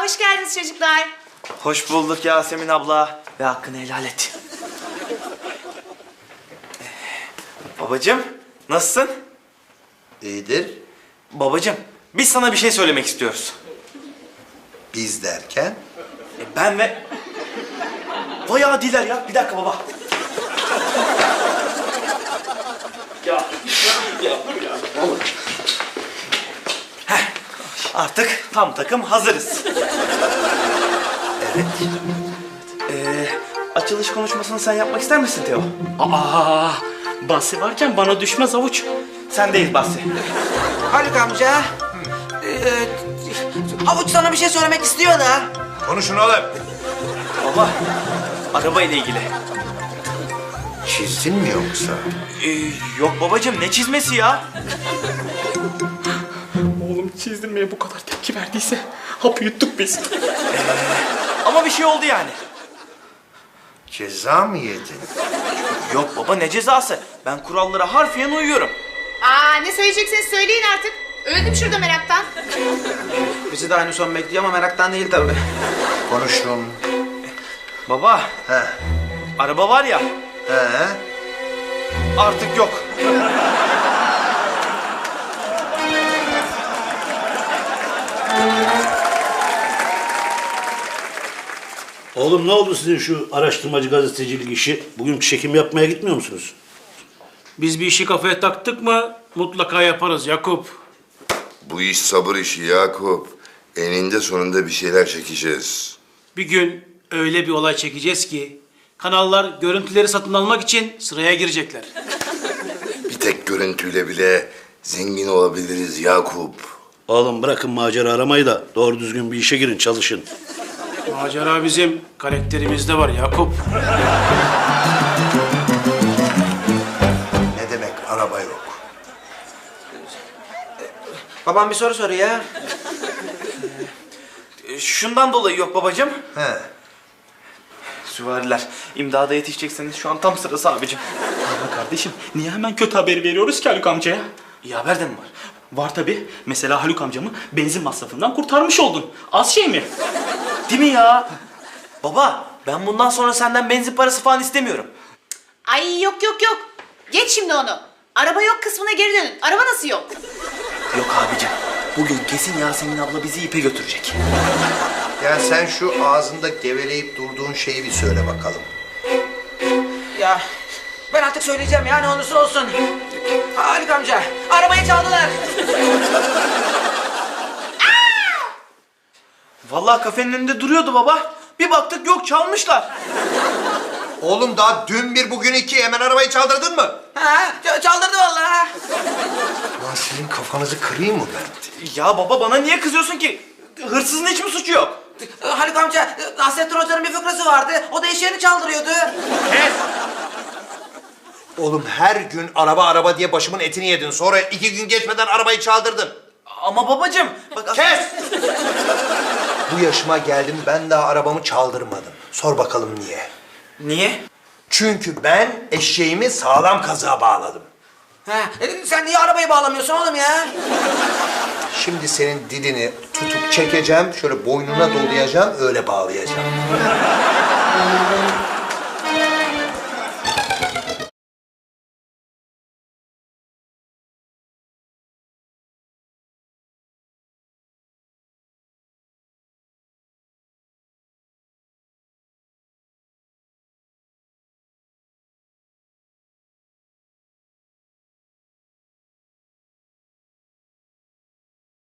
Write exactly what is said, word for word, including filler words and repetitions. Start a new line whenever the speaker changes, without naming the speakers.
hoş geldiniz çocuklar.
Hoş bulduk Yasemin abla. Ve hakkını helal et. Babacığım, nasılsın?
İyidir.
Babacığım, biz sana bir şey söylemek istiyoruz.
Biz derken?
E, ben ve... Vay adiler ya. Bir dakika baba. ya, ya, ya, ya. Heh, artık tam takım hazırız.
Evet.
Ee, açılış konuşmasını sen yapmak ister misin Teo?
Aa, Basri varken bana düşmez avuç.
Sendeyiz Basri.
Haluk amca. Ee, Havuç sana bir şey söylemek istiyor da.
Konuşun oğlum.
Baba, araba ile ilgili.
Çizdin mi yoksa?
Ee, yok babacığım, ne çizmesi ya?
Oğlum çizdirmeye bu kadar tepki verdiyse hapı yuttuk biz.
Ama bir şey oldu yani.
Ceza mı yedin?
Yok baba, ne cezası? Ben kurallara harfiyen uyuyorum.
Aa, ne söyleyeceksiniz söyleyin artık. Öldüm şurada meraktan.
Bizi de aynı son bekliyor ama meraktan değil tabii.
Konuşun.
Baba,
He.
araba var ya,
He.
artık yok.
Oğlum ne oldu sizin şu araştırmacı gazetecilik işi? Bugün çekim yapmaya gitmiyor musunuz?
Biz bir işi kafaya taktık mı mutlaka yaparız Yakup.
Bu iş sabır işi Yakup. Eninde sonunda bir şeyler çekeceğiz.
Bir gün öyle bir olay çekeceğiz ki kanallar görüntüleri satın almak için sıraya girecekler.
Bir tek görüntüyle bile zengin olabiliriz Yakup.
Oğlum bırakın macera aramayı da doğru düzgün bir işe girin, çalışın.
Macera bizim karakterimizde var Yakup.
Ne demek araba yok?
Babam bir soru soruyor ya.
Ee, şundan dolayı yok babacığım.
He.
Süvariler, imdada yetişecekseniz şu an tam sırası abicim.
Ama kardeşim niye hemen kötü haberi veriyoruz ki Haluk amcaya?
İyi haber de mi var?
Var tabii. Mesela Haluk amcamı benzin masrafından kurtarmış oldun. Az şey mi?
Değil mi ya? Baba, ben bundan sonra senden benzin parası falan istemiyorum.
Ay yok yok yok. Geç şimdi onu. Araba yok kısmına geri dönün. Araba nasıl yok?
Yok abicim, bugün kesin Yasemin abla bizi ipe götürecek.
Ya sen şu ağzında geveleyip durduğun şeyi bir söyle bakalım.
Ya ben artık söyleyeceğim ya ne olursa olsun. Haluk amca arabayı çaldılar.
Vallahi kafenin önünde duruyordu baba. Bir baktık yok, çalmışlar.
Oğlum daha dün bir bugün iki hemen arabayı çaldırdın mı?
Ha, ç- çaldırdı vallahi.
Lan sizin kafanızı kırayım mı ben?
Ya baba, bana niye kızıyorsun ki? Hırsızın hiç mi suçu yok?
Haluk amca Nasrettin Hoca'nın bir fıkrası vardı. O da eş yerini çaldırıyordu.
Oğlum her gün araba araba diye başımın etini yedin. Sonra iki gün geçmeden arabayı çaldırdın.
Ama babacığım, bak...
Kes! Bu yaşıma geldim, ben daha arabamı çaldırmadım. Sor bakalım niye?
Niye?
Çünkü ben eşeğimi sağlam kazığa bağladım.
Ha, e, sen niye arabayı bağlamıyorsun oğlum ya?
Şimdi senin dilini tutup çekeceğim, şöyle boynuna dolayacağım, öyle bağlayacağım.